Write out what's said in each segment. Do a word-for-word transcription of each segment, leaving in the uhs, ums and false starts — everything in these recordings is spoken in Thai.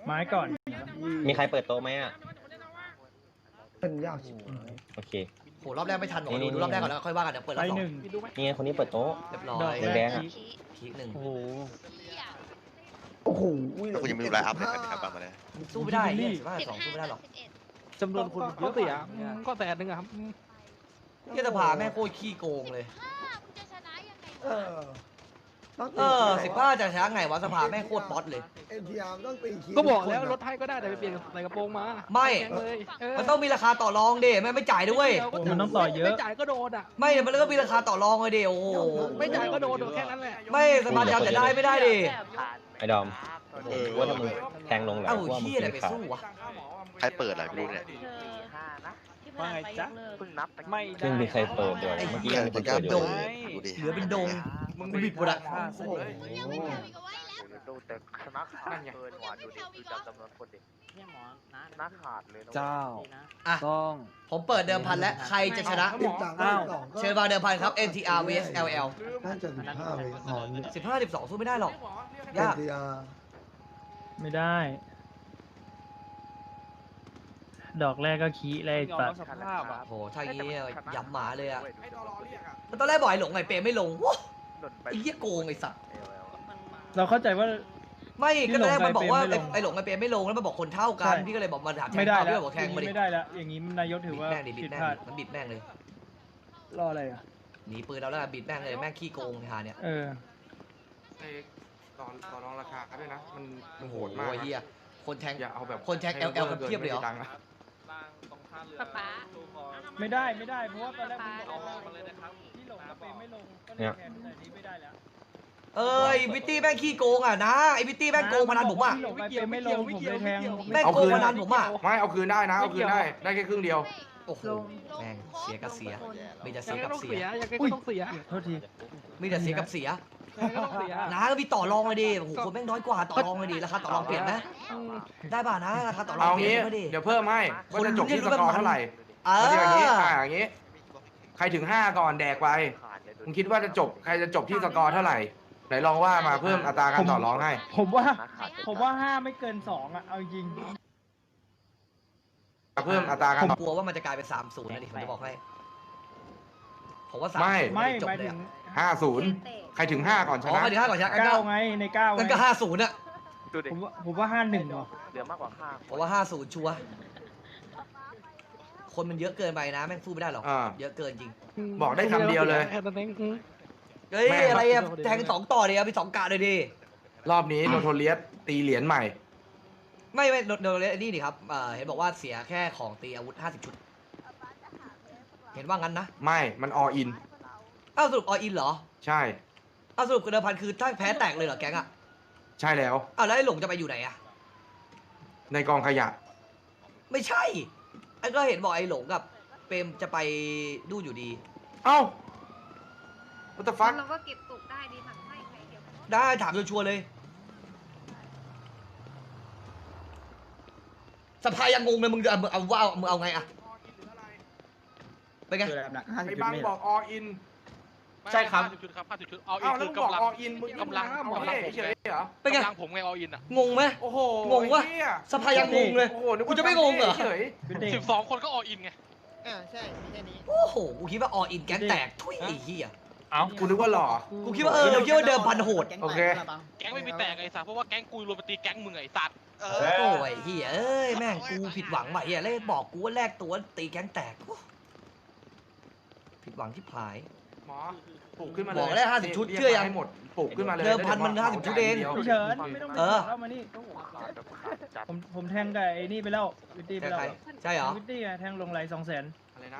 ไม้ก่อนมีใครเปิดโต๊ะไหมอ่ะเป็นยากชิบโอเคโหรอบแรกไม่ทันหรอกดูดูรอบแรกก่อนแล้วค่อยว่ากันเดี๋ยวเปิดรอบสองนี่ไงคนนี้เปิดโต๊ะเรียบร้อยแดงพีคหนึ่งโอ้โหโอ้โหแล้วคุณยังไม่รู้ไลน์อัพเลยครับกลับมาเลยสู้ไม่ได้สิบห้าสองสู้ไม่ได้หรอกจำนวนคนเยอะเสียก็แสนหนึ่งครับเที่ยสภาแม่งโคตรขี้โกงเลยเออเออสิบห้าจะช้าไงวะสภาแม่งโคตรป๊อตเลยเอ็นทีอาร์ต้องตีคีก็บอกแล้วรถไทยก็ได้แต่ไปเปลี่ยนใส่กระโปรงมาไม่มันต้องมีราคาต่อรองเด้แม่ไม่จ่ายด้วยมันต้องต่อเยอะไม่จ่ายก็โดนอ่ะไม่มันก็มีราคาต่อรองเลยเด้โอ้โหไม่จ่ายก็โดนแค่นั้นแหละไม่สภาจะได้ไม่ได้ดิไอ้ดอมว่าถ้ามึงแทงลงแหละว่ามึงอะไรไปสู้วะใครเปิดอะไรไม่รู้เนี่ยว่าไงจ๊ะไม่ซึ่งมีใครเปิดด้วยเมื่อกี้ยังมีคนเปิดอยู่เหลือเป็นดงมึงบิดหมดอะดูแต่นักขาดเกินหวานดูดิคือจำจำนวนคนดินักขาดเลยเจ้าต้องผมเปิดเดิมพันแล้วใครจะชนะเชิญมาเดิมพันครับ เอ็น ที อาร์ vs แอล แอลน่าจะสิบห้าเลยหอนสิบห้าสิบสองสู้ไม่ได้หรอกยากไม่ได้ดอกแรกก็ขี้แรกปัดโหถ้าอย่างนี้ยับหมาเลยอะตอนแรกบอกไอ้หลงไงเปย์ไม่ลงว้าไอ้เหี้ยโกงไอ้สัตว์เราเข้าใจว่าไม่ก็ตอนแรกมันบอกว่าไอ้หลงไอ้เปย์ไม่ลงแล้วมันบอกคนเท่ากันพี่ก็เลยบอกมาถามไม่ได้แล้วบอกแทงมาดิไม่ได้แล้วอย่างนี้นายกถือว่าบิดแม่งมันบิดแม่งเลยรออะไรอ่ะหนีปืนเราแล้วบิดแม่งเลยแม่งขี้โกงทาเนี่ยเออไอ้ตอนตอนรองราคาด้วยนะมันมันโหดมากเฮียคนแทงอย่าเอาแบบคนแทง แอล แอล กันเทียบเลยเหรอไม่ได้ไม่ได้เพราะว่าตอนแรกที่หลงเปย์ไม่ลงก็เลยแทนแต่นี้ไม่ได้แล้วเอ้ยวิตตี้แม่งขี้โกงอ่ะนะไอ้วิตตี้แม่งโกงพนันผมอ่ะไม่เกี่ยวไม่ลงผมเลยแทงแม่งโกงพนันผมอ่ะไม่เอาคืนได้นะเอาคืนได้ได้แค่ครึ่งเดียวโอ้โหแม่งเสียกับเสียมีแต่เสียกับเสียยังไงก็ต้องเสียโทษทีมีแต่เสียกับเสียนะก็มีต่อรองเลยดิโอ้โหคนแม่งน้อยกว่าต่อรองเลยดิราคาต่อรองเปลี่ยนไหมได้ป่ะนะราคาต่อรองเปลี่ยนไหมดิเดี๋ยวเพิ่มให้ว่าจะจบที่สกอร์เท่าไหร่เอออย่างนี้อ่าอย่างนี้ใครถึงห้าก่อนแดกไปมึงคิดว่าจะจบใครจะจบที่สกอร์เท่าไหร่ไหนลองว่ามาเพิ่มอัตราการต่อรองให้ผมว่าผมว่าห้าไม่เกินสองอ่ะเอาจริงเพิ่มอัตราการผมกลัวว่ามันจะกลายเป็นสามศูนย์นะดิผมจะบอกให้ผมว่าสามไม่ไม่หมายถึงห้าศูนย์ใครถึงห้าก่อนชนะใครถึงห้าก่อนชนะเก้าไงในเก้างั้นก็ห้าศูนย์อ่ะผมว่าผมว่าห้าหนึ่งเหรอเหลือมากกว่าห้าผมว่าห้าศูนย์ชัวร์คนมันเยอะเกินไปนะแม่งสู้ไม่ได้หรอกเยอะเกินจริงบอกได้คำเดียวเลยเฮ้ยอะไรอะแทงสองต่อเดียวมีสองกะเลยดิรอบนี้โนโทเลียสตีเหรียญใหม่ไม่ไม่โนโทเลียสนี่ดิครับเห็นบอกว่าเสียแค่ของตีอาวุธห้าสิบชุดเห็นว่างั้นนะไม่มันออินอ้าวสรุปออินเหรอใช่อ้าวสรุปเดิมพันคือถ้าแพ้แตกเลยเหรอแก๊งอะใช่แล้วอ้าวแล้วไอ้หลงจะไปอยู่ไหนอะในกองขยะไม่ใช่ไอ้ก็เห็นบอกไอ้หลงกับเปรมจะไปดูอยู่ดีเอ้าวัตฟักเราก็เก็บตกได้ดีถังไม่ใครเดียวได้ถามชัวร์เลยสภายังงงเลยมึงเอาเอาว่ามึงเอาไงอะไปไงไอ้บังบอกออินใช่ครับชุดครับห้าสิบชุดออินคือกำลังกำลังกำลังเฉยเหรอเป็นไงกำลังผมไงออินอะงงไหมโอ้โหงงวะสภายังงงเลยกูจะไม่งงเหรอสิบสองคนก็ออินไงอ่าใช่ไม่ใช่นี้โอ้โหกูคิดว่าออินแก๊งแตกทุยไอ้เหี้ยเอ้ากูนึกว่าหล่อกูคิดว่าเออคิดว่าเดิมพันโหดโอเคแก๊งไม่มีแตกไอ้สัตว์เพราะว่าแก๊งกูรวมปฏิแก๊งมึงไอ้สัตว์โอ้ยเหี้ยเอ้ยแม่งกูผิดหวังว่ะเหี้ยเลยบอกกูว่าแลกตัวตีแก๊งแตกผิดหวังที่ผายหมอปลูกขึ้นมาเลยบอกได้ห้าสิบชุดเชื่อยังให้หมดปลูกขึ้นมาเลยเดิมพันมันห้าสิบชุดเองเฉินไม่ต้องเข้ามานี่ผมผมแทงกับไอ้นี่ไปแล้ววิตตี้ไปแล้วใช่เหรอวิตตี้แทงลงไหลสองแสนอะไรนะ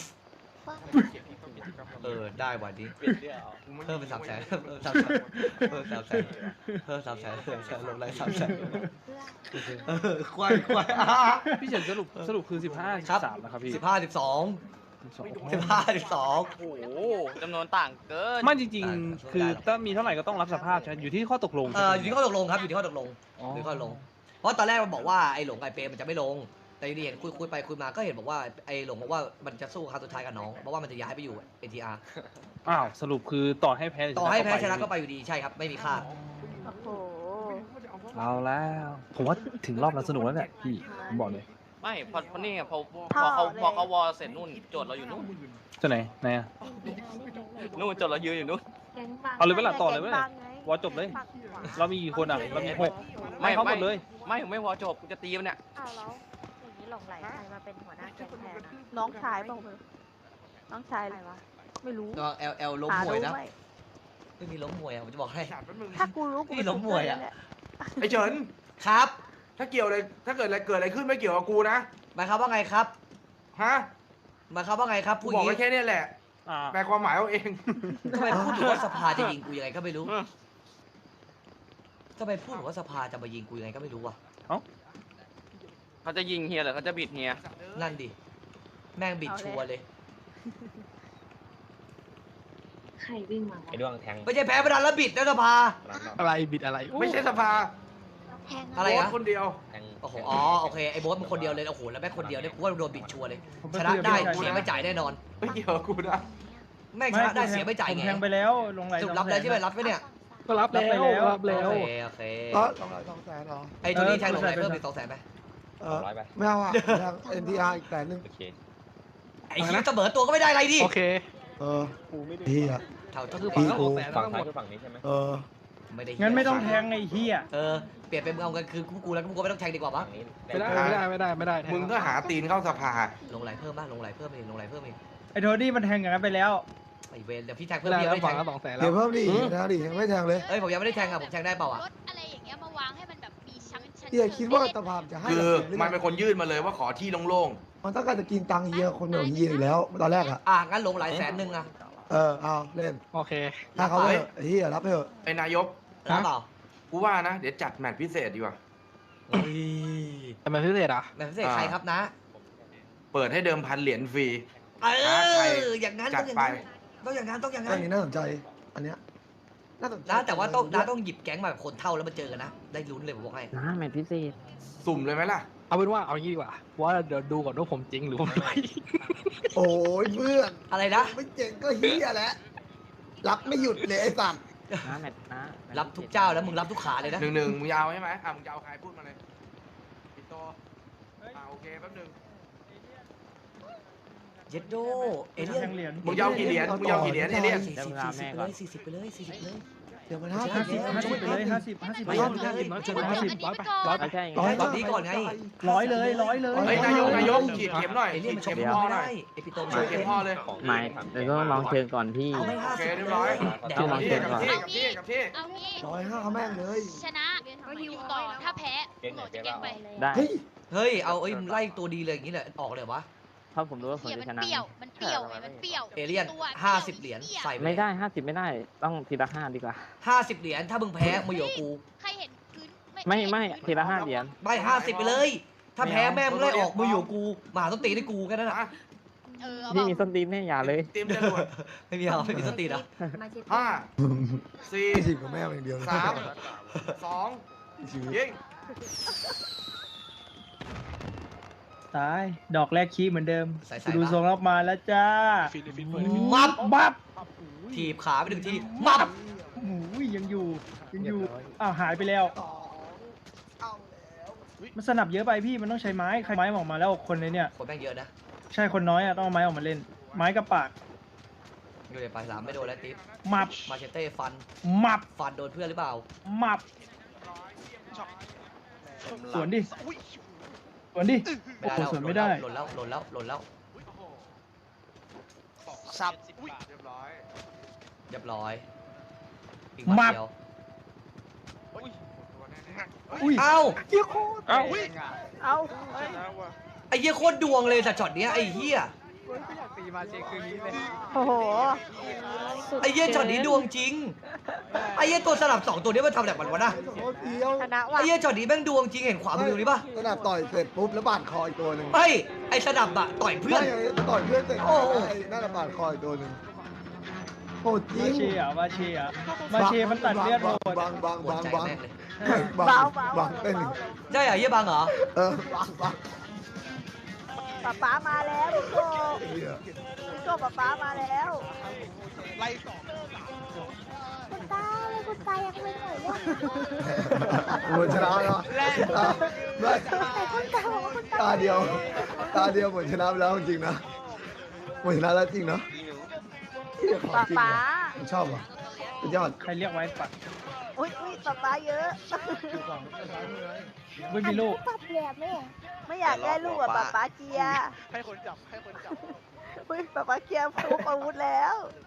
เออได้วันนี้เพิ่มเป็นสามแสนเพิ่มสามแสนเพิ่มสามแสนเพิ่มสามแสนเพิ่มสามแสนลงไหลสามแสนเออควายควายพี่เฉินสรุปสรุปคือสิบห้าสิบสามนะครับพี่สิบห้าสิบสองสิบห้าสิบสองโอ้โหจำนวนต่างเกินไม่จริงๆคือถ้ามีเท่าไหร่ก็ต้องรับสภาพใช่อยู่ที่ข้อตกลงเอออยู่ที่ข้อตกลงครับอยู่ที่ข้อตกลงอยู่ที่ข้อตกลงเพราะตอนแรกมันบอกว่าไอ้หลงไอ้เปรมมันจะไม่ลงแต่นี่เห็นคุยคุยไปคุยมาก็เห็นบอกว่าไอ้หลงบอกว่ามันจะสู้ครั้งสุดท้ายกับน้องเพราะว่ามันจะย้ายไปอยู่ เอ็น ที อาร์อ้าวสรุปคือต่อให้แพ้ต่อให้แพ้ชนะก็ไปอยู่ดีใช่ครับไม่มีค่าโอ้โหเอาแล้วผมว่าถึงรอบนั้นสนุกแล้วเนี่ยพี่ผมบอกเลยไม่พอพอนี่ไงพอพอเขาพอเขาวอลเสร็จนู่นโจทย์เราอยู่นู่นจะไหนไหนอะนู่นโจทย์เรายืนอยู่นู่นเอาเลยเวลาต่อเลยเว้ยวอจบเลย เรามีกี่คนอ่ะเรามีหกไม่เขาหมดเลยไม่ไม่วอลจบกูจะตีมันเนี่ยอ้าวแล้วอย่างนี้หลงไหลใครมาเป็นหัวหน้าแก๊งแทนอะน้องชายเปล่าเธอน้องชายอะไรวะไม่รู้ระวังแอลแอลล้มหามวยนะรู้ไหมไม่มีล้มมวยอ่ะผมจะบอกให้ถ้ากูรู้กูนี่ล้มมวยอะไอ้เฉินครับถ้าเกี่ยวอะไรถ้าเกิดอะไรเกิดอะไรขึ้นไม่เกี่ยวกับกูนะหมายความว่าไงครับฮะหมายความว่าไงครับกูพูดบอกงี้ไว้แค่เนี้ยแหละอ่าแปลความหมายเอาเองทำไมพูดถึงว่าสภาจะยิงกูยังไงก็ไม่รู้ทำไมพูดถึงว่าสภาจะมายิงกูยังไงก็ไม่รู้วะเขาจะยิงเฮียหรือเขาจะบิดเฮียนั่นดิแม่งบิดชัวร์เลยใครวิ่งมาไอ้ด้วงแทงไม่ใช่แพ้ประดานแล้วบิดนะสภาอะไรบิดอะไรไม่ใช่สภาแทงอะไรโบ๊นะทคนเดียวแทงโอ้โหอ๋อโอเคไอ้โบ๊ทมันคนเดียวเลยโอ้โหแล้วแม่งคนเดียวเนี่ยกูว่าโดนบิดชัวร์เลยผมชนะได้คุยกับพี่เสียไม่จ่ายแน่นอนไม่เกี่ยวกับกูนะแม่งชนะได้เสียไม่จ่ายผมไงแทงไปแล้วลงไหลสรุปรับแล้วใช่ไหมรับไหมเนี่ยก็รับแล้วรับแล้วโอเคโอเคก็ลงไหลสองแสนเหรอไอ้ตัวนี้แทงลงไหนเพิ่มอีกสองแสนไหมเอสอองร้อยไปไม่เอาอ่ะแทง เอ็น ที อาร์ อีกแสนหนึ่งโอเคไอ้ที่เสมอตัวก็ไม่ได้อะไรดิโอเคเออพี่อ่ะเท่าก็ที่คือกูฝั่งละสองแสนฝั่งซ้ายคือฝั่งนี้ใช่ไหมเออไม่ได้งั้นไม่ต้องแทงไอ้เหี้ยเออเปลี่ยนเป็นมึงเอากันคือกูกูแล้วกูก็ไม่ต้องแทงดีกว่าปะฝั่งนี้ไม่ได้ไม่ได้ไม่ได้ไม่ได้มึงก็หาตีนเข้าสภาลงไหลเพิ่มบ้างลงไหลเพิ่มอีกลงไหลเพิ่มอีกไอ้โทนี่มันแทงอย่างนั้นไปแล้วไอ้เวรเดี๋ยวพี่แทงไม่เพิ่มได้พี่ยังแล้วไม่ได้แทงฝั่งละสองแสนแล้เดี๋ยววเพิ่มดิแทงดิยังไม่แทงเลยเอ้ยผมยังไม่ได้แทงอ่ะผมแทงได้เปล่าอ่ะรถอะไรอย่างเงี้ยมาวางให้มันแบบมีชั้นชั้นเฮียคิดว่าสภาพจะให้คือหรือมันเป็นคนยื่นมาเลยว่าขอที่โล่งมันต้องการจะกินตังค์เฮียคนเดียวเฮียอยู่แล้วตอนแรกอ่ะอ่ะงั้นลงไหลแสนหนึ่งอ่ะเออเอาเล่นโอเคถ้าเขาไม่เฮียรับไปเถอะๆไอ้นายกรับเปล่ากูว่านะ เดี๋ยวจัดแมตช์พิเศษดีกว่าเฮ้ยแต่มันพิเศษอ่ะแบบพิเศษใครครับนะเปิดให้เดิมพันเหรียญฟรีเอใครออย่างนั้นจัต้ดองอย่างไปนั้นต้องอย่างนั้นต้องอย่างอันั้น นนี้น่าสนใจ อันเนี้ยน่าสนใจนะแต่ว่าต้องนะต้องหยิบแก๊งมาแบบคนเท่าแล้วมาเจอกันนะ ได้ลุ้นเลยผมบอกให้นะแมทพิเศษสุ่มเลยไหมล่ะเอาเป็นว่าเอางี้ดีกว่าว่าเดี๋ยวดูก่อนว่าผมจริงหรือผมไม่โอ้ยเพื่อนอะไรนะไม่เจ๋งก็เฮียแหละรับไม่หยุดเลยไอ้สัตว์นะแมทนะรับทุกเจ้าแล้วมึงรับทุกขาเลยนะหนึ่งหนึ่งมึงยาวใช่ไหมอ่ะมึงยาวใครพูดมาเลยปิดโตอ่าโอเคแป๊บหนึงเย็ดโดเอเลี่ยแทนงเหรียญมึงยาวกี่เหรียญมึงยาวกี่เหรียญเอเลี่ยนสี่สิบสี่สิบไปเลยสี่สิบไปเลยสี่สิบเลยเดี๋ยวมันห้าห้าสิสิบบ ห้าสิบไปเลยห้าสิบห้าสิบไม่ร้ห้าอยสิบน้อยเกินร้อยสิบร้อยไปร้อยไปร้อยแบบนี้ก่อนไงร้อยเลยร้อยเลยเฮ้ยนายกนายกฉีดเข็มหน่อยเอเลี่ยนฉีมันดชเข็มมไม่พ่อหน่ได้อยไอปิโตฉีดเข็มพ่อเลยไม่เดี๋ยวต้องลองเชิญก่อนพี่เอาไม่ห้าโอเคสิบเรียบร้อยแดกับกที่กับที่กับที่กับที่เอางี้ร้อยห้าเขาแม่งเลยชนะก็ฮิวต่อถ้าแพ้เก่งไหนโหลดเก่จะงเก่งไปเปล่าเฮ้ยเฮ้ยเอาเอ้ยไล่ตัวดีเลยอย่างนี้เลยออกเลยเหรอวะเพราะผมรู้ว่าผมจะชนะเปรี้ยวมันเปรี้ยวไงมันเปรี้ยวเอเลี่ยนตัวห้าสิบเหรียญใส่ไปไม่ได้ห้าสิบไม่ได้ต้องทีละห้าดีกว่าห้าสิบเหรียญถ้ามึงแพ้มึงอยู่กับกูใครเห็นพื้นไม่ไม่ทีละห้าเหรียญไม่ห้าสิบไปเลย ถ้าแพ้แม่มึงไล่ออกมึงอยู่กับกูหมาต้องตีให้กูแค่นั้นแหละอ่ะเออเอาพี่เปมีล่าส้นตีนแน่อย่าเลยเตรียมจรวดไม่มีเอาไม่มีสตินะห้าสี่ไม่สิกับแม่งอย่างเดียวสามสองชีวิตยิงตายดอกแรกคีเหมือนเดิมใส่ๆกูดูทรงรับมาแล้วจ้าฟิลิปปินส์เปิดมับบับถีบขาไปหนึ่งทีมับโอ้โหยังอยู่ยังอยู่อ้าวหายไปแล้วเอาแล้วมันสนับเยอะไปพี่มันต้องใช้ไม้ใครไม้ออกมาแล้วคนในเนี่ยคนแม่งเยอะนะใช่คนน้อยอ่ะต้องเอาไม้ออกมาเล่น ไม้กับปากอยู่ในปลายสามไม่โดนแล้วติ๊บมับมาเชเต้ฟันมับฟันโดนเพื่อนหรือเปล่ามับสวนดิสวนดิไม่โอ้ได้โหแล้วสวนไม่ได้หล่นแล้วหล่นแล้วหล่นแล้วสับเรียบร้อยเรียบร้อยอีกมัมับดเดียวตัวแน่อุ้ยเอ้าเอ้าเอาไอ้เหี้ยโคตรดวงเลยแต่ช็อตเนี้ยไอ้เหี้ยโอ้โหไอ้เหี้ยช็อตนี้ดวงจริงไอ้เหี้ยตัวสลับสองตัวนี้มันทำแบบมันวะนะโคตรเดียวชนะว่ะไอ้เหี้ยช็อตนี้แม่งดวงจริงเห็นขวามือดูนี่ปะขนาดต่อยเสร็จปุ๊บแล้วบาดคออีกตัวหนึ่งเฮ้ยไอ้สนับอะต่อยเพื่อนไม่ต่อยเพื่อนเสร็จโอ้โหไอ้นั่นน่ะบาดคออีกตัวหนึ่งโหดจริมาง เชียร์มาเชียร์มาเชียร์มันตัดเลือดโหดบางบางหัวบางใจบางแม่งเลยบางบางเต้นหนึ่งใช่เหรอเหี้ยบังเหรอเออบางบางป๊าป๊ามาแล้วพี่โก้พี่โก้ป๊าป๊ามาแล้วไล่สองคุณตาเลยคุณตายังไม่เหนื่อยเลยหมดชนะแล้วไม่แต่คุณตาบอกว่าคุณตาตาเดียว ตาเดียวหมดชนะไปแล้วจริงๆนะหมดชนะแล้วจริงนะป๊าป๊าผมชอบอ่ะสุดยอดใครเรียกไว้ปัดอุ้ยอุ้ยป๊าป๊าเยอะไม่มีลูกปับแหลมแม่ไม่อยากได้ลูกอ่ะป๊าป๊าเกียร์ให้คนจับให้คนจับอุ้ยป๊าป๊าเกียร์พกอาวุธแล้ว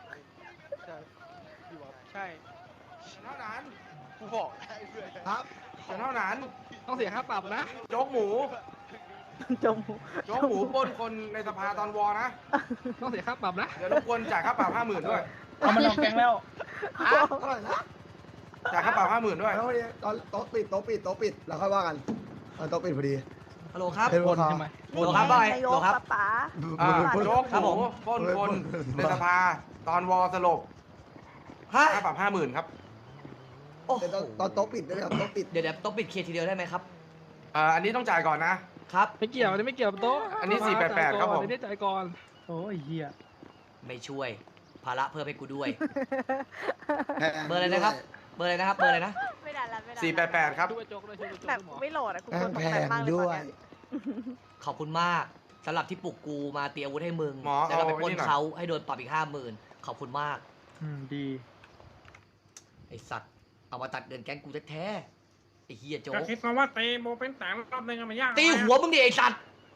ใช่เท่านั้นกูบอกได้เพื่อนครับเท่านั้นต้องเสียค่าปรับนะโจ๊กหมูจมโจ๊กหมูปล้นคนในสภาตอนวอนะต้องเสียค่าปรับนะเดี๋ยวรบกวนจ่ายค่าปรับห้าหมื่นด้วยเอามันออกแกงแล้วเท่าไหร่นะจ่ายค่าปรับห้าหมื่นด้วยแล้ววันนี้ตอนโต๊ะปิดโต๊ะปิดโต๊ะปิดแล้วค่อยว่ากันตอนโต๊ะปิดพอดีฮัลโหลครับเป็นควัน นใช่ไหมโหลครับบอยนายโหลกครับป๊าป๊าอ่าโจ๊กครับหผมูมปล้นคนในสภาตอนวอสลบฮะค่าปรับห้าหมื่นครับโอ้โหแต่ตอนตอนโต๊ะปิดด้วยครับโต๊ะปิดเดี๋ยวเดี๋ยวต้องปิดเคลียร์ทีเดียวได้ไหมครับอ่าอันนี้ต้องจ่ายก่อนนะครับไม่เกี่ยวอันนี้ไม่เกี่ยวกับโต๊ะอันนี้สี่แปดแปดครับผมอันนี้จ่ายก่อนโอ้ยเฮียไม่ช่วย ภาระเพิ่มให้กูด้วยแพงเบอร์อะไรนะครับ เบอร์อะไรนะครับ เบอร์อะไรนะไม่ได้ละไม่ได้ละสี่แปดแปดครับช่วยโจ๊กด้วยช่วยโจ๊กแบบด้วยหมอไม่โหลดอะคุณแพคงนตแพกใจงมากเลยด้ตวอนยเนี้ยขอบคุณมากสำหรับที่ปลุกกูมาเตรียมอาวุธให้มึงหมอแล้วก็ไปเอาปล้ไว้นนี่หน่อยเขาให้โดนปรับอีกห้าหมื่นขอบคุณมากอืมดีไอสัตว์ เอามาตัดเงินแก๊งกูแท้ๆไอเฮียโจ๊กก็คิดมาว่าตีโบเป็นแต่รอบนึงมันยากตีหัวมึงดิไอสัตว์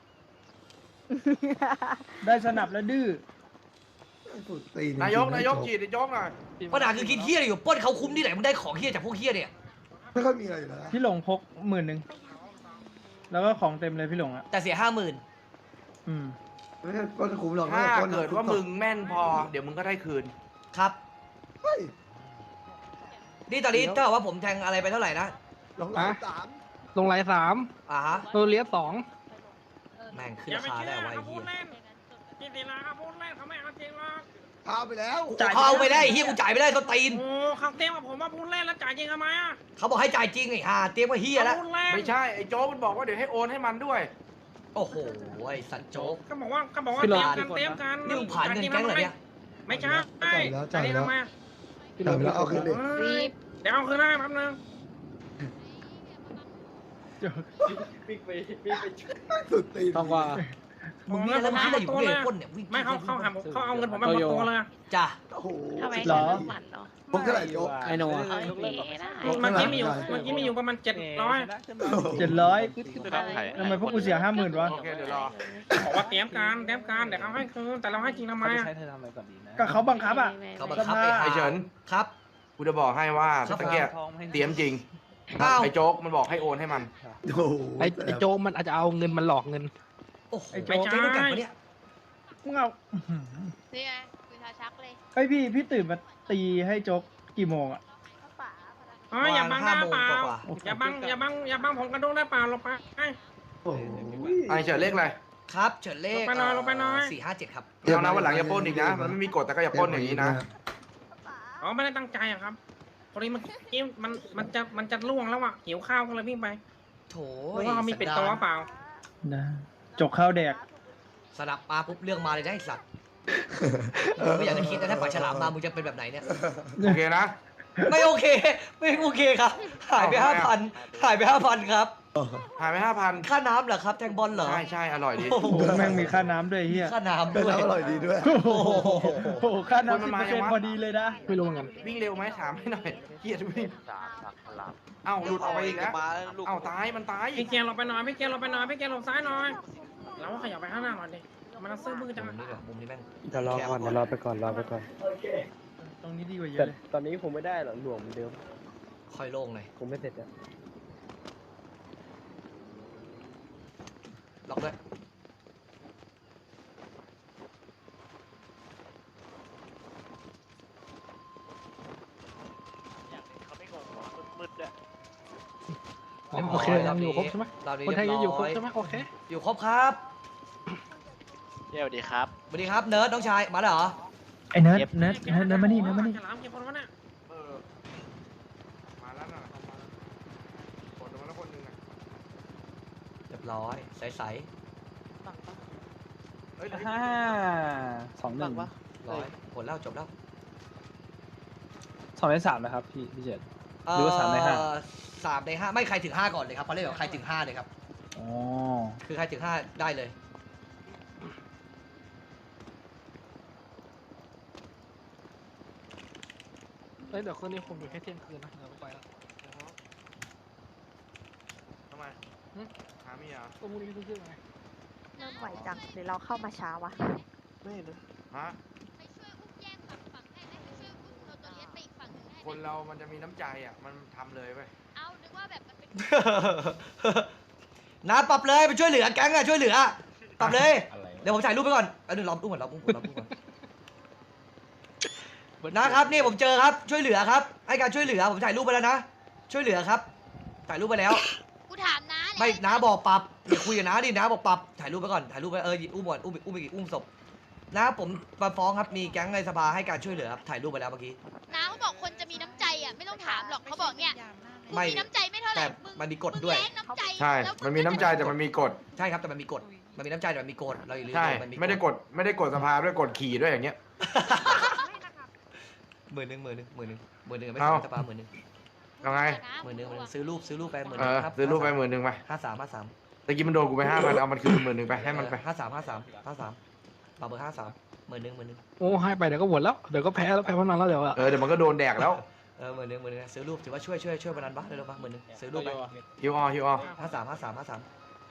ได้สนับแล้วดื้อสุดตีนายกนายกจีดไอ้โจ๊กหน่อยปัญหาคือคิดเฮียอะไรอยู่ปล้นเขาคุ้มที่ไหนมึงได้ของเฮียจากพวกเฮียเนี่ยไม่ค่อยมีอะไรอยู่แล้วนะพี่หลงพกหมื่นหนึ่งแล้วก็ของเต็มเลยพี่หลงอ่ะแต่เสียห้าหมื่นอืมไม่ใช่ปล้นคุ้มหรอกถ้าปล้นเกิดว่ามึงแม่นพอ เดี๋ยวมึงก็ได้คืนครับเฮ้ยนี่ตอนนี้ถ้าเกิดว่าผมแทงอะไรไปเท่าไหร่นะลงหลังสามลงไลน์สามอ่าฮะโรเลียสสองแม่งขึ้นราคาได้ไวะไอ้เฮียพี่ตีนาครับพูดเล่นเขาไม่เอาจริงหรอกเอาไปแล้วเขาเอาไปได้ไอ้เฮียกูจ่ายไม่ได้ต้นตีนโอ้เขาเต้มกับผมว่าพูดเล่นแล้วจ่ายจริงทำไมอ่ะเขาบอกให้จ่ายจริงไอ้ห่าเตรียมว่าเฮียแล้วพูดเล่นไม่ใช่ไอ้โจ๊กมันบอกว่าเดี๋ยวให้โอนให้มันด้วยโอ้โหไอ้สัตว์โจ๊กก็บอกว่าก็บอกว่าเตรียมกันเตรียมกันนี่มึงผ่านเงินแก๊งเหรอเนี่ยไม่ใช่จ่ายแล้วจ่ายแล้วทำไมจ่ายไปแล้วเอาคืนดิเฮ้ยเดี๋ยวเอาคืนได้แป๊บนึงสุดตีนต้องว่ามึงเนี่ยแล้วมึงคิดอะไรอยู่เนี่ยปล้นเนี่ยวิ่งไม่เขาเขาหาเขาเอาเงินผมไปหมดตัวเลยจ้ะโอ้โหทำไมเหรอหมันเนาะพวกเท่าไหร่โจ๊กไอโน่อะโอเคได้เมื่อกี้มีอยู่เมื่อกี้มีอยู่ประมาณเจ็ดร้อยเจ็ดร้อยทำไมพวกกูเสียห้าหมื่นวะโอเคเดี๋ยวรอบอกว่าเตรียมการเตรียมการเดี๋ยวเขาให้คืนแต่เราให้จริงทำไมเขาจะอ่ะใช้เธอทำอะไรก่อนดีนะก็เขาบังคับอ่ะเขาบังคับไอ้ไอ้ห่าเฉินครับกูจะบอกให้ว่าครับตะเกียบเตรียมจริงอ้าวไอ้โจ๊กมันบอกให้โอนให้มันโอ้โหไอไอโจ๊กมันอาจจะเอาเงินมันหลอกเงินโอ้โหไอ้โจ๊ไอ้กโจ๊กรู้จักปะเนี่ยมึงเอานี่ไงคุณชาชักเลยไอพี่พี่ตื่นมาตีให้โจ๊กกี่โมงอ่ะป๋าอ๋ออย่าบังหน้าเปล่าว่าอย่าบังอย่าบังอย่าบังผมกระโดดได้เปล่าลงไปโอ้โหไอ้เฉินเลขอะไรครับเฉินเลขลงไปหน่อยลงไปหน่อยสี่ห้าเจ็ดครับเอานะวันหลังอย่าปล้นอีกนะ มันไม่มีกฎแต่ก็อย่าปล้นอย่างนี้นะอ๋อไม่ได้ตั้งใจอะครับพอดีเมื่อกี้มันมันจะมันจะล่วงแล้วอ่ะหิวข้าวก็เลยวิ่งไปโถหรือว่าเขามีปิดตัวเปล่านะจกข้าวแดกสนับมาปุ๊บเรื่องมาเลยนะไอ้สัตว์ไม่อยากจะคิดนะถ้าปล่อยฉลามมามึงจะเป็นแบบไหนเนี่ยโอเคนะไม่โอเค ไม่โอเคครับ หายไปเอาห้าทำไมพันอะหายไปห้าพันครับหายไปห้าพันค่าน้ำเหรอครับ แทงบอลเหรอใช่ใช่อร่อยดีโอ้โหแม่งมีค่าน้ำด้วยเฮียค่าน้ำเป็นด้วยน้ำอร่อยดีด้วยโอ้โหโอ้โหค่าน้ำคสินบมันเปอร์เซ็นมายังต์วะพอดีเลยนะไม่รู้เหมือนกันวิ่งเร็วไหมถามให้หน่อยเกียดวิ่งสามสักพลังเอ้าหลุดออกไปอีกแล้วมาลูกเอ้าตายมันตายพี่เกียร์ลงไปหน่อยพี่เกียร์ลงไปหน่อยพี่เกียร์ลงซ้ายหน่อยเราขยับไปข้างหน้าหน่อยดิมันซื้อมือจังมุมนี้แบบมุมนี้แม่งเดี๋ยวรอก่อนเดี๋ยวรอไปก่อนรอไปก่อนตรงนี้ดีกว่าเยแต่อะเลยตอนนี้คงไม่ได้หรอกหน่วงเหมือนเดิมค่อยโล่งหน่อยคงไม่เสร็จอ่ะล็อกด้วยเขาไม่งงหรอมืดๆด้วยโอเคยังอยู่ครบใช่ไหมรอบนี้คนไทยยังอยู่ครบเรีใช่บไหมร้โอเคอยู่ครบครับเดี๋ยวดีครับสวัสดีครับเนิร์ดน้องชายมาแล้วเหรอไอ้เนิร์ดเนิร์ดเนิร์ดเนิร์ดมานี่เนิร์ดมานี่เออมาแล้วน่ะกดลงมาแล้วคนหนึงอ่ะเรียบร้อยใสห้าสองหนึ่งร้อยผลแล้วจบแล้วสองในสามนะครับพี่พี่เจษ หรือว่าสามในห้าเอ่อสามในห้าไม่ใครถึงห้าก่อนเลยครับเขาเรียกว่าใครถึงห้าเลยครับอ๋อคือใครถึงห้าได้เลยเฮ้ยเดี๋ยวคืนนี้ผมอยู่แค่เที่ยงคืนนะเดี๋ยวไปละทำไมหาเมียตัวมูลนิธิชื่อไงเริ่มไหวจังหรือเราเข้ามาช้าวะไม่เลยฮะไปช่วยอุ้มแยกฝั่งฝั่งให้ไหมไปช่วยอุ้มโนตัวเลียสไปอีกฝั่งหนึ่งให้ไหคมนเรามันจะมีน้ำใจอ่ะมันทำเลยไปเอานึกว่าแบบมันเป็นนะปรับเลยไปช่วยเหลือแก๊งอะช่วยเหลือปรับเลยอะไรวะเดี๋ยวผมถ่ายรูปไปก่อนเอาหนึ่งรอบอุ้มก่อนรอบอุ้มก่อนรอบอุ้มก่อนนะครับนี่ผมเจอครับช่วยเหลือครับให้การช่วยเหลือผมถ่ายรูปไปแล้วนะช่วยเหลือครับถ่ายรูปไปแล้วกูถามนะไม่น้าบอกปรับเดี๋ยวคุยกับน้าดิน้าบอกปรับถ่ายรูปไปก่อนถ่ายรูปไปเอออุ้มก่อนอุ้มอุ้มอีกอุ้มศพน้าผมมาฟ้องครับมีแก๊งในสภาให้การช่วยเหลือครับถ่ายรูปไปแล้วเมื่อกี้น้าเขาบอกคนจะมีน้ำใจอ่ะไม่ต้องถามหรอกเขาบอกเนี่ยมึงไม่มีน้ำใจไม่เท่าไหร่แต่มึงมันมีกฎมึงด้วยแรงน้ำใจใช่แล้วมันมีน้ำใจแต่มันมีกฎใช่ครับแต่มันมีกฎมันมีน้ำใจแต่มันมีกฎเราอย่าลืมใช่มันมีไม่ได้กดไม่ได้กดสภาด้วยกดขี่ด้วยอย่างเงี้ยหมื่นหนึ่งหมื่นหนึ่งหมื่นหนึ่งหมื่นหนึ่งไม่เอ้าใช่สภาหมื่นหนึ่งยังไงหมื่นหนึ่งหมื่นหนึ่งซื้อรูปซื้อรูปไปหมื่นหเอนึ่งอครับซื้อรูปไปหมื่นหนึ่งไปห้าสามห้าสามตะกี้มันโดนกูไปห้าพันเอามันคืนหมื่นหนึ่งไปให้มันไปห้าสามห้าสามห้าสามปรับเบอร์ห้าสามหมื่นหนึ่งหมื่นหนึ่งโอ้ให้ไปเดี๋ยวก็หมดแล้วเดี๋ยวก็แพ้แล้วแพ้พนันแล้วเดี๋ยวอะเออเดี๋ยวมันก็โดนแดกแล้วเออหมื่นหนึ่งหมื่นหนึ่งซื้อรูปถือว่าช่วยช่วยช่วยพนันบ้าเร็วๆมาหมื่นหนึ่งซื้อรูปไปฮิวออฮิวออห้าสามห้าสามห้าสาม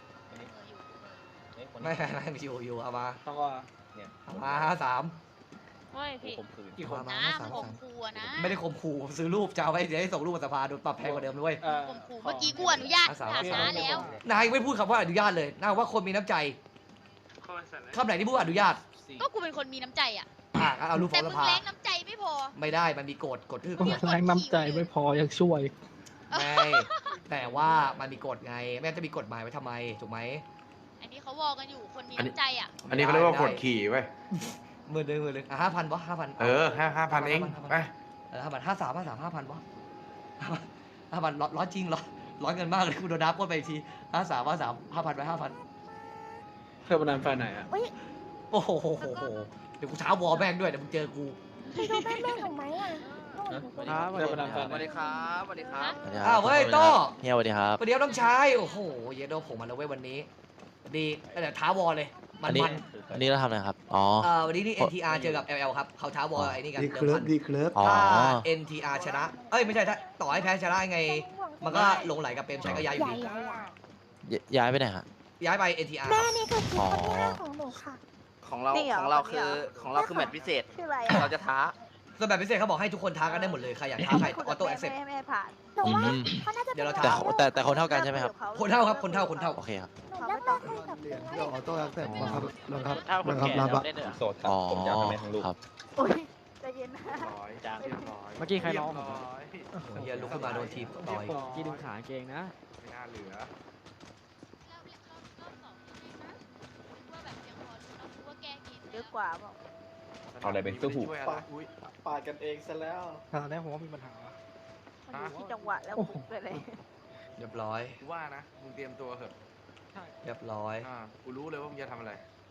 ไม่ไม่ไม่ไม่อยู่อยู่เอามาต้องก็เอามาห้าสามเฮ้ยพี่ผมคืนกี่คนเอามาน้าห้ามึสามงห้าข่มสามขู่อะนะไม่ได้ข่มขู่ซื้อรูปจะเอาไว้เดี๋ยวให้ส่งรูปมาสภาโดนปรับแพงกว่าเดิมด้วยเออข่มขู่เมื่อกี้กูอนุญาตห้าสามถามห้าสามน้าแล้วนายไม่พูดคำว่าอนุญาตเลยนายบอกว่าคนมีน้ำใจคำไหนที่พูดว่าอนุญาตก็กูเป็นคนมีน้ำใจอ่ะอ่ะเอารูปฟ้แต่องสมึงภาแรงน้ำใจไม่พอไม่ได้มันมีกฎกฎคือมึกฎแรงน้ำใจไม่พอยังช่วยไม่แต่ว่ามันมีกฎไงไม่งั้นจะมีกฎหมายไว้ทำไมถูกไหมอันนี้เขาวอกันอยู่คนมีน้ำใจอ่ะอันนี้เขาเรียกว่ากดขี่ไว้ยหมื่นหนึ่งหมื่นหนึ่งอ่ะห้าพันวะห้าพันเออห้าห้าพันเองไปเออห้าพันห้าสามห้าสามห้าพันวะห้าพันร้อยจริงเหรอร้อยเงินมากเลยคุณโดนนับก้นไปอีกทีห้าสามห้าสามห้าพันไปห้าพันเคยพนันไฟไหนอ่ะโอ้โหโหโหโหเดี๋ยวกูเช้าวอลแม่งด้วยเดี๋ยวมึงเจอกูพี่ดูแม่แม่หนูไหมอ่ะครับเคยพนันไฟไหนสวัสดีครับสวัสดีครับอ้าวเฮ้ยโต้เฮียสวัสดีครับประเดี๋ยวต้องใช้โอ้โหเยโดผมมาแล้วเว้ยวันนี้ ดีแต่ท้าวอลเลยมันมันอันนี้เราทำอะไรครับ อ๋อเอ่อวันนี้นี่ เอ็น ที อาร์ เจอกับ แอล แอล ครับเขาท้าวอลไอ้นี่กันดีเดิเคลิมฟพันดีเคลิฟอ๋อถ้า เอ็น ที อาร์ ชนะ เอ้ย ไม่ใช่ถ้าต่อให้แพ้ชนะยังไง มันก็หลงไหลกับเปรมชัยก็ย้ายอยู่ดีย้ายไปไหนฮะย้ายไป เอ็น ที อาร์แม่นี่คือคลิปอ๋อคนที่ห้าของหนูค่ะของเรานี่เหรอของเราคนนี้คือเหรอของเราคือแมตช์พิเศษชื่ออะไรเราจะท้าส่วนแบบพิเศษเขาบอกให้ทุกคนท้ากันได้หมดเลย ใครอยากท้าใครออโต้แอคเซปต์ไม่ไม่ผ่านหนูว่าอืมเขาน่าจะเดี๋ยวเราแต่ท้าแต่แต่คนเท่ากันใช่ไหมครับคนเท่าครับ คนเท่า คนเท่าโอเคครับหนูเลิกเลิกคุยกับเหรียญเพื่ที่อนออโต้แอคเซปต์บังคับบังคับถ้าคนบังคับแก่รับเราอะเล่นเหรอโสดครับอ๋อผมจะเอาไปแม่ทั้งลูกครับโอ้ยใจเย็นนะร้อยจ้างเรียบร้อยเมื่อกี้ใครร้องเยบร้อยเฮียลุกขึ้นมาโดนทีมต่อยกี้ดึงขาเกงนะไม่น่าเหลือเราเล่นรอบรอบสองยังไงนะนึกว่าแบบยังพอรู้นะนึกว่าแก้เกมเยอะกว่าเปล่าเอาอะไรไปสู้หูช่วยอะไรอุ๊ยปาดกันเองซะแล้วตอนนี้ผมว่ามีปัญหามันอยู่ที่จังหวะแล้วบุกไปเลยเรียบร้อยกูว่านะมึงเตรียมตัวเถอะเรียบร้อยอ่ากูรู้เลยว่ามึงจะทำอะไร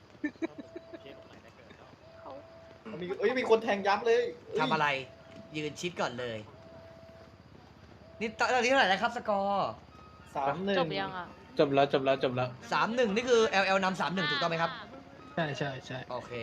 มีเอ้ยมีคนแทงยับเลยทำอะไร ยืนชิดก่อนเลย นี่ตอนนี้เท่าไหร่แล้วครับสกอร์สามหนึ่งจบยังอ่ะจบแล้วจบแล้วจบแล้วสามหนึ่งนี่คือ แอล แอล นำสามหนึ่งถูกต้องไหมครับใช่ใช่ใช่โอเค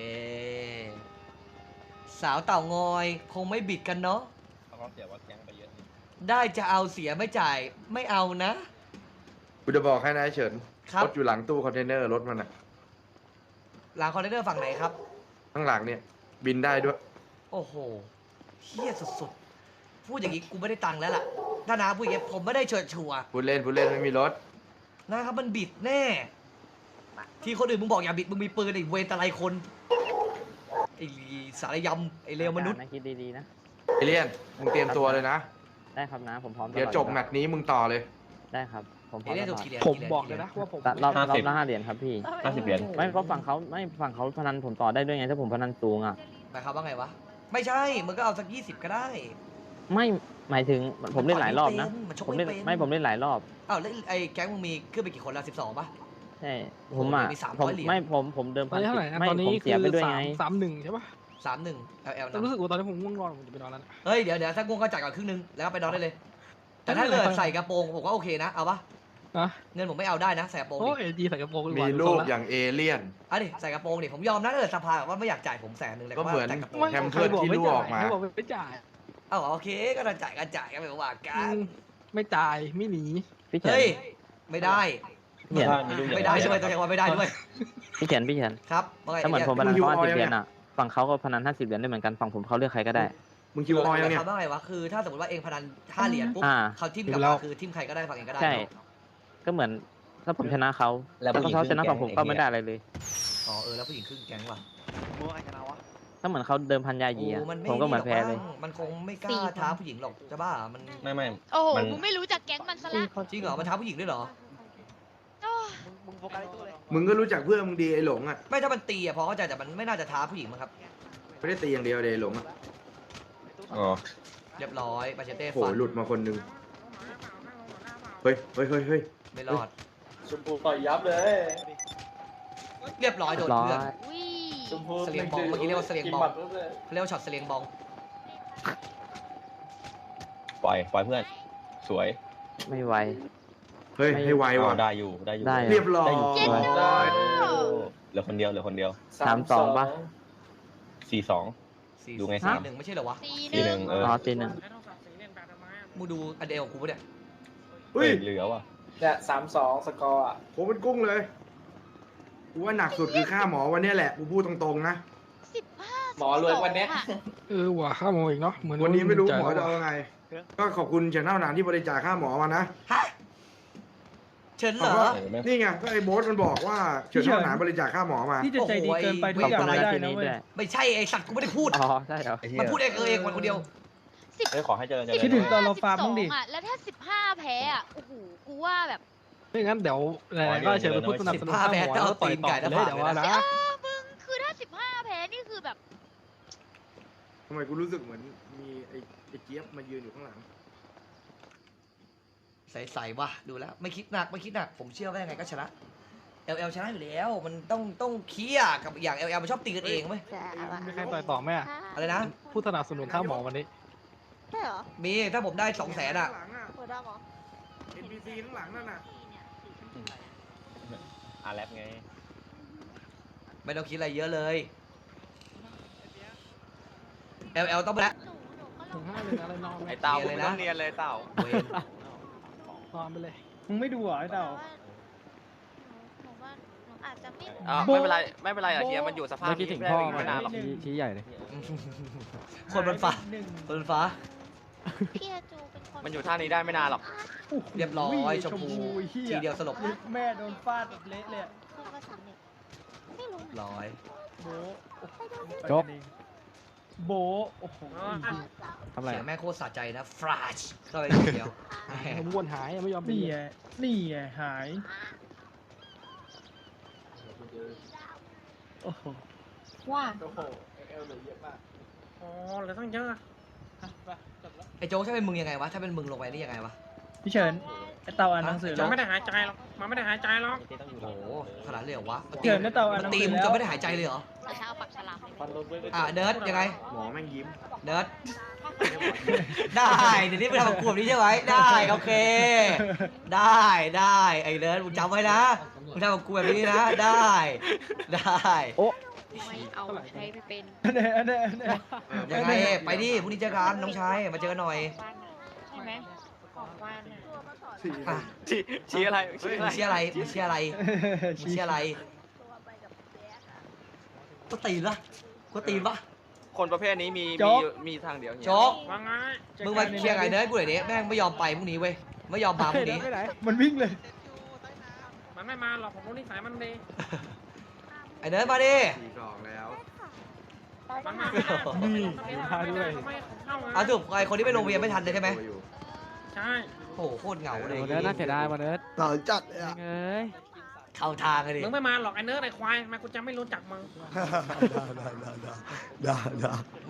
สาวเต่างอยคงไม่บิดกันเนาะเขาก็เสียว่าแก๊งไปเยอะอยู่ได้จะเอาเสียไม่จ่ายไม่เอานะกูจะบอกให้นายเฉินครับรถอยู่หลังตู้คอนเทนเนอร์รถมันอะหลังคอนเทนเนอร์ฝั่งไหนครับข้างหลังเนี่ย บินได้ด้วยโอ้โหเฮี้ยสุดๆ พูดอย่างนี้กูไม่ได้ตังค์แล้วล่ะ ถ้านาพูดอย่างนี้ผมไม่ได้เชิญชัวร์พูดเล่นพูดเล่นไม่มีรถนะครับมันบิดแน่ ที่คนอื่นมึงบอกอย่าบิดมึงมีปืนไอ้เวรตะไลคน ไอ้สารยำไอ้เลวมนุษย์นะคิดดีๆนะเอเลียน มึงเตรียมตัวเลยนะได้ครับนะผมพร้อมเดี๋ยวจบแมตช์นี้มึงต่อเลยได้ครับผมพไอ้ร้อมเรียกตถูลกอดกี่เหรียญผมกี่เหรียญบอกเลยนะว่าผมรอบรอบห้าสิบละห้าเหรียญครับพี่ห้าสิบเหรียญไม่เพราะฝั่งเขาไม่ฝั่งเขาพนันผมต่อได้ด้วยไงถ้าผมพนันสูงอ่ะหมายความว่าไงวะ ไม่ใช่ มึงก็เอาสักยี่สิบก็ได้ไม่หมายถึงผมเล่นหลายรอบนะมันชกผมไม่เล่นเป็นไม่ผมเล่นหลายรอบอ้าวแล้วไอ้แก๊งมึงมีขึ้นไปกี่คนแล้วสิบสองป่ะใช่ผมอ่ะมีสามผมร้อยเหรียญไม่ผมผมเดิมตอนนี้เท่าไหร่นะไม่ตอนนี้ผมเสียไปด้วยไงสามหนึ่งใช่ปะสามหนึ่งแอลแอลแต่นะรู้สึกว่าตอนนี้ผมง่วงนอนผมจะไปนอนแล้วนะเฮ้ยเดี๋ยวเดี๋ยวถ้าง่วงก็จ่ายก่อนครึ่งนึงแล้วก็ไปนอนได้เลย แต่ถ้าเกิดใส่กระโปรงผมก็โอเคนะเอาปะนะเงินผมไม่เอาได้นะใส่กระโปรงโอ้ดิยดีใส่กระโปรงดีกมีว่าลูดูกทรงละอย่างเอเลี่ยนอ่ะดิใส่กระโปรงดิผมยอมนะถ้าเกิดสภาแบบว่าไม่อยากจ่ายผมแสนหนึ่งเลยก็เหมือนแต่กระโปรงไม่แฮมเคเพิร์ยดบอกที่ไม่รั่วจ่าอย อกมาไม่บอกไม่จ่ายเอ้าโอเคก็ต้องจ่ายก็จ่ายก็ไม่ว่ากัอืนมไม่จ่ายไม่หนีพี่เฉินเฮ้ยไม่ได้พี่เฉินมีลูกไม่ได้ใช่ไหมตัวเองว่าไม่ได้ด้วยพี่เฉินพี่เฉินครับว่าไงถ้าเหมือนผมพนันเขาห้าสิบเหรียญอ่ะฝั่งเขาก็พนันห้าสิบเหรียญได้เหมือนกันฝั่งผมเขาเลือกใครก็ได้มึงคิวออยยังเนี่ยเขาว่าไงวะคือถ้าสมมติว่าเองพนันห้าเหรียญปุ๊บอ่าเขาทิมกลับมาคือทิมใครก็ได้ฝั่งเองก็ได้ใช่ ก็เหมือนถ้าผมชนะเขา แล้วแล้วผู้หญิงเขาชนะครึ่ฝั่งงผมแก๊งก็ไม่ได้อะไรเลยอ๋อเออแล้วผู้หญิงครึ่งแก๊งว่ะถ้าเหมือนเขาเดิมพันยายีโอ้อะมันไม่ผมก็เหมือนแพ้เลยมันคงไม่กล้าท้าผู้หญิงหรอกจะบ้ามันไม่ไม่โอ้โหมันมึงไม่รู้จักแก๊งมันซะละจริงเหรอมันท้าผู้หญิงด้วยเหรอโอ้ยมึงก็รู้จักเพื่อนมึงดีไอ้หลงอ่ะไม่ถ้ามันตีอะพอเข้าใจแต่มันไม่น่าจะท้าผู้หญิงมั้งครับไม่ได้ตีอย่างเดียวเลยไอ้หลงอ่ะอ๋อเรียบร้อยมาเชเต้โหฟันหลุดมาคนหนึงเฮ้ยเฮ้ยเฮ้ยเฮ้ยไม่รอดชมพูต่อยยับเลยเรียบร้อยโดนร้อยเพื่อนอุ้ยชมพูเสลียงบองเมื่อกี้เรียกว่าเสลียงบองเขาเรียกว่าช็อตเสลียงบองปล่อยปล่อยเพื่อน สวย ไม่ไหวเฮ้ยให้ไวว่ะได้อยู่ได้อยู่ได้เรียบร้อยเจ็ดได้เหลือคนเดียวเหลือคนเดียวสามสองป่ะสี่สองสี่ดูไงสี่สามหนึ่งไม่ใช่เหรอวะสี่หสี่หนึ่นึ่งงเอออ๋อตีหนึ่งมึงดูอันเดียวของกูปะเนี่ยเฮ้ยเหลือว่ะเนี่ยสามสองสกอร์อ่ะผมเป็นกุ้งเลยกูว่าหนักสุดคือค่าหมอวันเนี้ยแหละกูพูดตรงๆนะสิบห้าหมอรวยวันเนี้ยอะเออว่ะข้าโมงอีกเนาะเหมือนวันนี้ไม่รู้จ่ายหมอจะแล้วเอาไง ก็ขอบคุณเฉินเท่านานที่บริจาคค่าหมอมานะฮะเฉินเหรอเอาวะ นี่ไงก็ไอ้โบ๊ทมันบอกว่าเฉินเท่านานบริจาคค่าหมอมานี่จะใจดีเกินไปทุกอย่างไม่ได้นะเว้ยไม่ใช่ไอสัตว์กูไม่ได้พูดอ๋อใช่เหรอมันพูดเองเออเองคนเดียวสิบเฮ้ยขอให้เจริญเจริญคิดถึงตอนเราฟาร์มสิบสบ้างดิอะแล้วถ้าสิบห้าแพ้อะโอ้โหกูว่าแบบไม่งั้นเดี๋ยวไหนๆก็เชิญไปพูดสนับสนุนข้าหมอแล้วก็ต่อยต่อเลยเดี๋ยวว่านะเออมึงคือถ้าสิบห้าแพ้นี่คือแบบทำไมกูรู้สึกเหมือนมีไอ้ไอ้เจี๊ยบมายืนอยู่ข้างหลังใสๆว่ะดูแล้ว ไม่คิดหนักไม่คิดหนักผมเชื่อว่ายังไงก็ชนะ แอล แอล ชนะอยู่แล้ว มันต้องต้องเคลียร์กับอย่าง แอล แอล มันชอบตีกันเองไหมจะอะไรมีใครต่อยต่อไหมอะอะไรนะผู้สนับสนุนข้าหมอวันนี้ใช่เหรอมีถ้าผมได้สองแสนอ่ะข้างหลังอ่ะหัวดำเหรอเอ็น พี ซี ข้างหลังนั่นน่ะอ่ะแรปไงไม่ต้องคิดอะไรเยอะเลย แอล แอล ต้องไปแล้วถึงห้าเลยอะไรนอนไหมไอ้เต่ามึงไม่ต้องเรียนเลยเต่านอนไปเลย มึงไม่ดูเหรอไอ้เต่าหนูว่าหนูอาจจะไม่อ่ะไม่เป็นไรไม่เป็นไรอ่ะเฮียมันอยู่สภาพเมื่อกี้ถึงพ่อมาไม่นานหรอกชี้ชี้ใหญ่เลยคนบนฟ้าคนบนฟ้าพี่อาจูเป็นคนมันอยู่ท่านี้ได้ไม่นานหรอกเรียบร้อยชมพูเหี้ทีเดียวสลบแม่โดนฟาดแบบเละเลยคือภาษาเนี่ยไม่รู้ร้อยโบจบโบโอ้โหทำไรเสียงแม่โคตรสะใจนะฟราชเข้าไปทีเดียวผมวนหายไม่ยอมนี่ไงนี่ไงหายโอ้โหว่าโอ้โหเอลเหลือเยอะมากอ๋อเหลือตั้งเยอะอะไอ้โจ๊กถ้าเป็นมึงยังไงวะ ถ้าเป็นมึงลงไปนี่ยังไงวะพี่เฉินไอ้เต่าอ่านหนังสือมัแล้นวไม่ได้หายใจหรอกมันไม่ได้หายใจหรอกโอ้โหขนาดเลยเหรอวะเฉินไอ้เต่าอ่านหมันันงตีสือมึงแล้วจะไม่ได้หายใจเลยเหรอแต่ถ้าเอาปักฉลามเลยอ่ะเนิร์ดยังไงหมอแม่งยิ้มเนิร์ด ได้เดี๋ยวนี้ไปทำกับกลุ่มนี้ใช่ไหมได้โอเค ได้ได้ไอ้เนิร์ดมึงจำไว้นะมึงทำกับกูแบบนี้นะได้ได้ไม่เอาใช้ไม่เป็นอันนี้อันนี้อันนี้ยังไงไปดิพรุ่งนี้เจอกันน้องชายมาเจอกันหน่อยใช่ไหมของว่านอะอ่ะชี้อะไรมึงเชียร์อะไรมึงเชียร์อะไรมึงเชียร์อะไรก็ตีนละก็ตีนปะคนประเภทนี้มีโจ๊มีกมีทางเดียวโจ๊กว่าไงมึงมาเคลียร์ไงเนิร์ดกูหน่อยดิแม่งไม่ยอมไปพรุ่งนี้เว้ยไม่ยอมมาพรุ่งนี้มันวิ่งเลยมันไม่มาหรอกผมรู้นิสัยมันดีไอ้เนิร์ดมาดิสี่สองแล้วมันมาไม่ได้นี่มันไม่ได้มาด้วยทำไมผมเข้าไงอ่ะถูกไอ้คนที่ไปโรงเรียนไม่ทันเลยใช่ไหมใช่โอ้โหโคตรเหงาเลยเนิร์ดน่าเสียดายว่ะเนิร์ดต่อจัดเลยอะเอ้ยเข้าทางเลยดิมึงไม่มาหรอกไอ้เนื้อไอ้ควายทำไมกูจะไม่รู้จักมึงได้ได้ได้ได้ได้